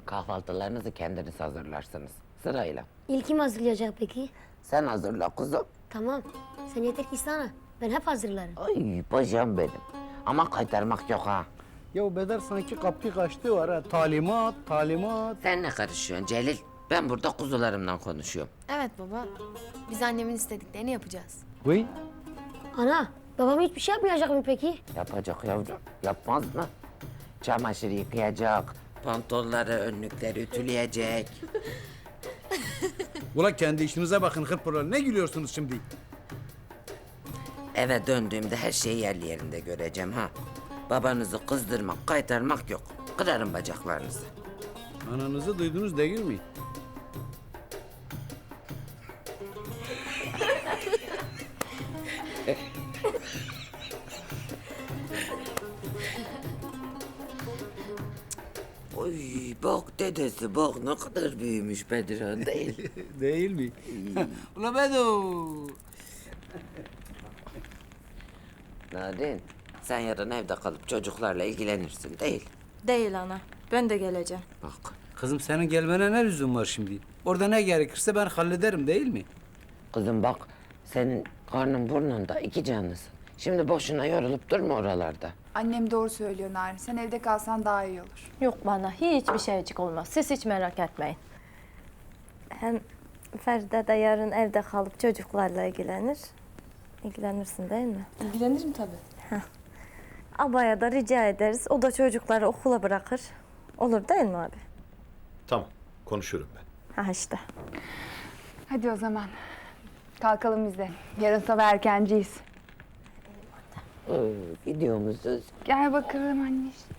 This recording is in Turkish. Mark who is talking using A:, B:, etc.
A: Kahvaltılarınızı kendiniz hazırlarsınız. Sırayla.
B: İlk kim hazırlayacak peki?
A: Sen hazırla kuzum.
B: Tamam. Sen yeter ki istana. Ben hep hazırlarım.
A: Ay paşam benim. Ama kaytarmak yok ha.
C: Ya Bedar sanki kapı kaçtı var ha. Talimat, talimat.
A: Sen ne karışıyorsun Celil? Ben burada kuzularımdan konuşuyorum.
D: Evet baba. Biz annemin istediklerini yapacağız.
C: Vay.
B: Ana, babam hiçbir şey yapmayacak mı peki?
A: Yapacak yavrum. Yapmaz mı? Çamaşır yıkayacak. Pantolları, önlükleri ütüleyecek.
C: Ula kendi işinize bakın hırpırlar. Ne gülüyorsunuz şimdi?
A: Eve döndüğümde her şeyi yerli yerinde göreceğim ha. Babanızı kızdırmak, kaytarmak yok. Kırarım bacaklarınızı.
C: Ananızı duydunuz değil mi?
A: Oy bak dedesi bak ne kadar büyümüş Bedirhan değil.
C: Değil mi? Ula Bedo.
A: Narin sen yarın evde kalıp çocuklarla ilgilenirsin değil.
E: Değil ana. Ben de geleceğim.
A: Bak
C: Kızım senin gelmene ne lüzum var şimdi? Orada ne gerekirse ben hallederim değil mi?
A: kızım bak senin karnın burnunda iki canlısın. Şimdi boşuna yorulup durma oralarda.
F: Annem doğru söylüyor Narin. Sen evde kalsan daha iyi olur.
E: Yok bana hiçbir şeycik olmaz. Siz hiç merak etmeyin. Hem Feride de yarın evde kalıp çocuklarla ilgilenir. İlgilenirsin değil mi?
D: İlgilenirim tabii.
E: Abaya da rica ederiz. O da çocukları okula bırakır. Olur değil mi abi?
G: Tamam, konuşurum ben.
E: Ha işte.
F: Hadi o zaman. Kalkalım biz de. Yarın sabah erkenciyiz.
A: Gidiyor musunuz?
F: Gel bakalım anne.